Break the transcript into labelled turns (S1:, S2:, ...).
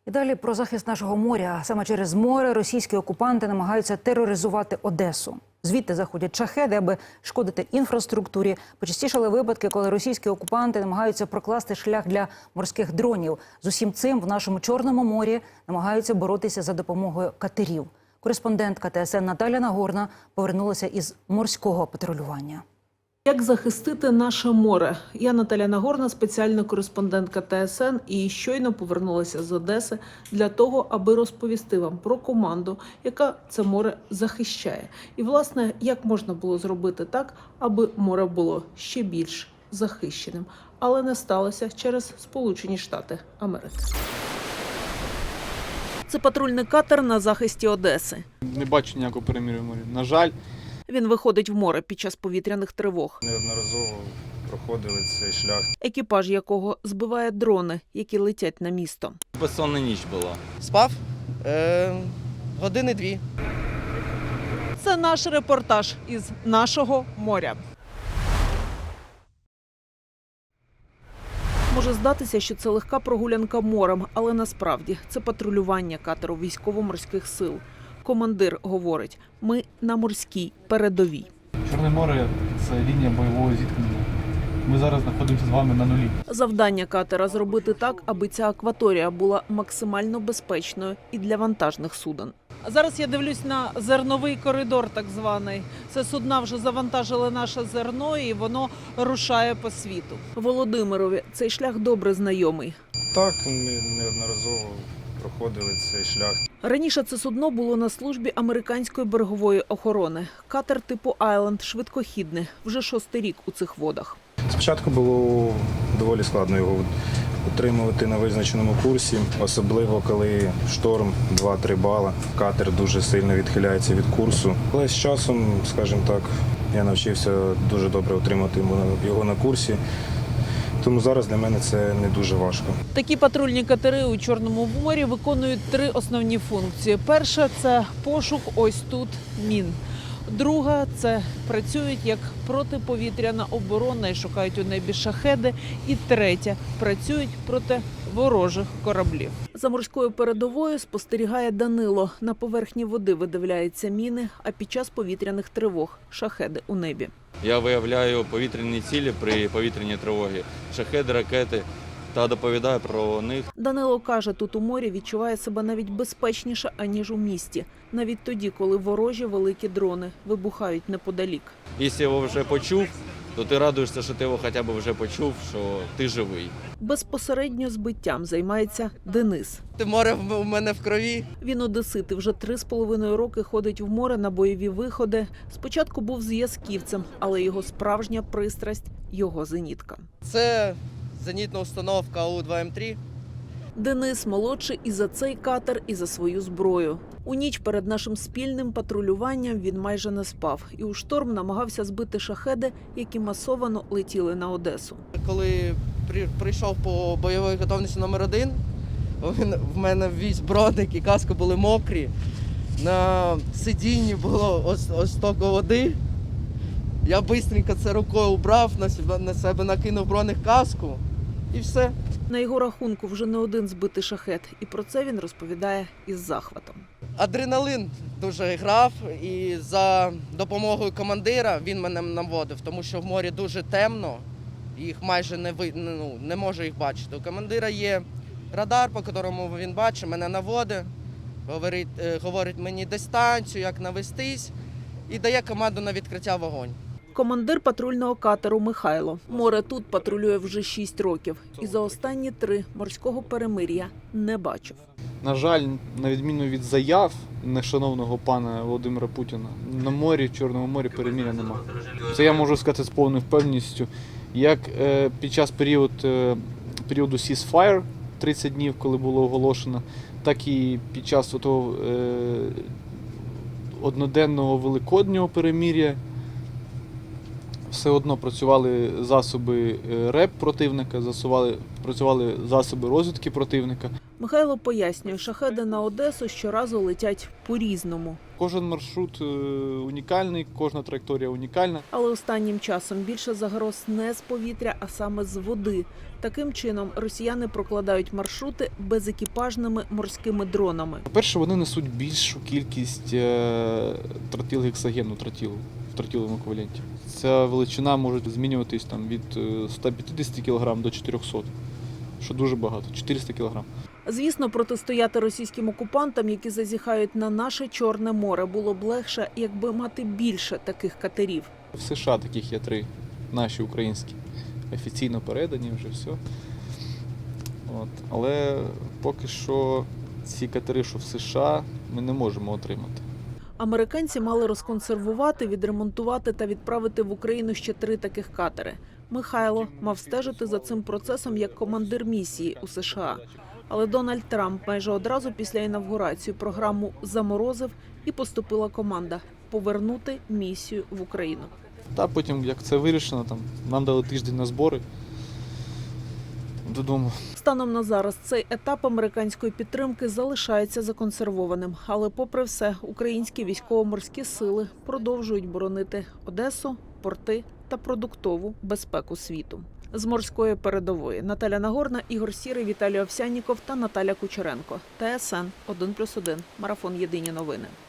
S1: І далі про захист нашого моря. Саме через море російські окупанти намагаються тероризувати Одесу. Звідти заходять шахеди, аби шкодити інфраструктурі. Почастішали випадки, коли російські окупанти намагаються прокласти шлях для морських дронів. З усім цим в нашому Чорному морі намагаються боротися за допомогою катерів. Кореспондентка ТСН Наталя Нагорна повернулася із морського патрулювання.
S2: Як захистити наше море? Я Наталя Нагорна, спеціальна кореспондентка ТСН, і щойно повернулася з Одеси для того, аби розповісти вам про команду, яка це море захищає. І, власне, як можна було зробити так, аби море було ще більш захищеним. Але не сталося через Сполучені Штати Америки. Це патрульний катер на захисті Одеси.
S3: Не бачу ніякого перемир'я в морі. На жаль.
S2: Він виходить в море під час повітряних тривог.
S4: Неодноразово проходили цей шлях.
S2: Екіпаж якого збиває дрони, які летять на місто.
S5: Безсонна ніч була.
S6: Спав години 2.
S2: Це наш репортаж із нашого моря. Може здатися, що це легка прогулянка морем, але насправді це патрулювання катеру військово-морських сил. Командир говорить, ми на морській передовій.
S3: Чорне море – це лінія бойового зіткнення. Ми зараз знаходимося з вами на нулі.
S2: Завдання катера – зробити так, аби ця акваторія була максимально безпечною і для вантажних суден. Зараз я дивлюсь на зерновий коридор так званий. Це судна вже завантажили наше зерно і воно рушає по світу. Володимирові цей шлях добре знайомий.
S4: Так, ми неодноразово проходили цей шлях.
S2: Раніше це судно було на службі американської берегової охорони. Катер типу «Айленд» швидкохідний, вже 6-й рік у цих водах.
S4: Спочатку було доволі складно його утримувати на визначеному курсі, особливо коли шторм 2-3 бала. Катер дуже сильно відхиляється від курсу. Але з часом, скажімо так, я навчився дуже добре утримати його на курсі. Тому зараз для мене це не дуже важко.
S2: Такі патрульні катери у Чорному морі виконують 3 основні функції. Перша – це пошук ось тут мін. Друга – це працюють як протиповітряна оборона і шукають у небі шахеди. І третя – працюють проти ворожих кораблів. За морською передовою спостерігає Данило. На поверхні води видивляються міни, а під час повітряних тривог – шахеди у небі.
S5: Я виявляю повітряні цілі при повітряній тривогі, шахеди, ракети та доповідаю про них.
S2: Данило каже, тут у морі відчуває себе навіть безпечніше, аніж у місті. Навіть тоді, коли ворожі великі дрони вибухають неподалік.
S5: Якщо його вже почув, то ти радуєшся, що ти його хоча б вже почув, що ти живий.
S2: Безпосередньо збиттям займається Денис.
S6: Море в мене в крові.
S2: Він одесит і вже 3,5 роки ходить в море на бойові виходи. Спочатку був зв'язківцем, але його справжня пристрасть – його зенітка.
S6: Це зенітна установка АУ-2М3.
S2: Денис молодший і за цей катер, і за свою зброю. У ніч перед нашим спільним патрулюванням він майже не спав. І у шторм намагався збити шахеди, які масовано летіли на Одесу.
S6: Коли прийшов по бойовій готовності номер 1, в мене весь броник і каска були мокрі. На сидінні було ось стільки води. Я швидко це рукою убрав, на себе накинув броник каску і все.
S2: На його рахунку вже не один збитий шахет. І про це він розповідає із захватом.
S6: Адреналин дуже грав, і за допомогою командира він мене наводив, тому що в морі дуже темно, їх майже не можу їх бачити. У командира є радар, по якому він бачить, мене наводить, говорить мені дистанцію, як навестись, і дає команду на відкриття вогонь.
S2: Командир патрульного катеру Михайло. Море тут патрулює вже 6 років. І за останні 3 морського перемир'я не бачив.
S3: На жаль, на відміну від заяв нешановного пана Володимира Путіна, на морі, в Чорному морі перемир'я нема. Це я можу сказати з повною впевненістю. Як під час періоду ceasefire, 30 днів, коли було оголошено, так і під час того одноденного великоднього перемир'я все одно працювали засоби РЕП противника, працювали засоби розвідки противника.
S2: Михайло пояснює, шахеди на Одесу щоразу летять по-різному.
S3: Кожен маршрут унікальний, кожна траєкторія унікальна.
S2: Але останнім часом більше загроз не з повітря, а саме з води. Таким чином, росіяни прокладають маршрути безекіпажними морськими дронами.
S3: По-перше, вони несуть більшу кількість тротилгексагену, в тротиловому еквіваленті. Ця величина може змінюватись там, від 150 кг до 400, що дуже багато, 400 кг.
S2: Звісно, протистояти російським окупантам, які зазіхають на наше Чорне море, було б легше, якби мати більше таких катерів.
S3: В США таких є 3, наші українські. Офіційно передані вже все. От. Але поки що ці катери, що в США, ми не можемо отримати.
S2: Американці мали розконсервувати, відремонтувати та відправити в Україну ще 3 таких катери. Михайло мав стежити за цим процесом як командир місії у США. Але Дональд Трамп майже одразу після інавгурації програму заморозив і поступила команда повернути місію в Україну.
S3: Та потім, як це вирішено, там, нам дали тиждень на збори додому.
S2: Станом на зараз цей етап американської підтримки залишається законсервованим. Але попри все, українські військово-морські сили продовжують боронити Одесу, порти та продуктову безпеку світу. З морської передової Наталя Нагорна, Ігор Сірий, Віталій Овсянніков та Наталя Кучеренко. ТСН 1+1. Марафон. Єдині новини.